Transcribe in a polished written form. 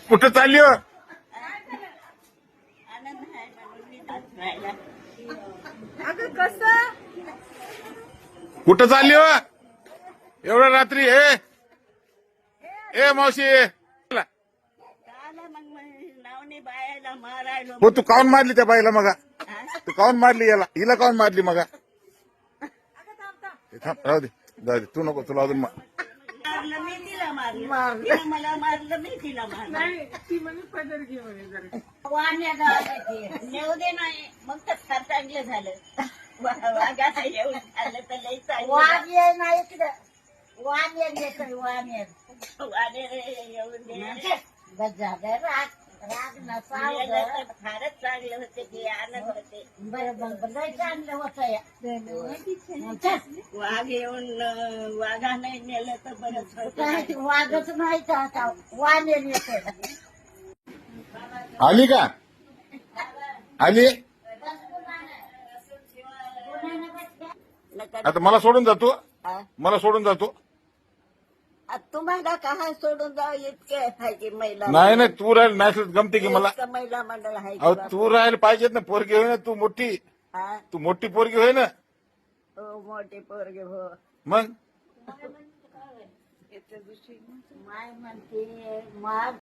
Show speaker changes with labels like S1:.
S1: कुठं चालली हो?
S2: आनंद आहे म्हणून मी जात राहिला.
S3: अगं कसं
S1: कुठं चालली हो एवढ्या रात्री? ए मावशी,
S2: काला मग नावने बायाला मारायलो.
S1: हो तू काऊन मारली त्या बाईला मगा?
S2: हा?
S1: तू काऊन मारली याला? हिला काऊन मारली मगा? थांब, राहू दे जाऊ दे, तू नको, तुला अजून
S2: मारलं मी तिला मारलं. तिला मला मारलं मी तिला मारलं.
S3: नाही ती म्हणे पदर घे म्हणे जरा.
S2: वाण्या गावात नेऊ दे नाही मग तर फार चांगलं झालं. वाघाला येऊन झालं तर लई चांगलं.
S4: वाणियर नाही तिकडं वाणियर येतोय वाणियर
S2: वाणे येऊन दे.
S4: गजादर राग राग नसाव
S2: गेलं तर फारच चांगलं होते की आनंद होते.
S4: बरं लय चांगलं होतं या
S2: वाघ येऊन वाघाने नेलं तर बरंच होतं.
S4: काय वागच नाही का आता वाणियर येतोय
S1: आली का? आली? आता मला सोडून जातो, मला सोडून जातो.
S2: तुम्हाला काय सोडून जाऊ इतके पाहिजे महिला.
S1: नाही नाही, तू राहील नाही गमते की मला.
S2: इतकं महिला मंडळ आहे की
S1: अहो
S2: बाप.
S1: तू राहायला पाहिजेत ना, पोरगी होय ना तू मोठी.
S2: हा?
S1: तू मोठी पोरगी होय ना
S2: हो मोठे पोरगे हो.
S1: मग.
S4: माय म्हणते माग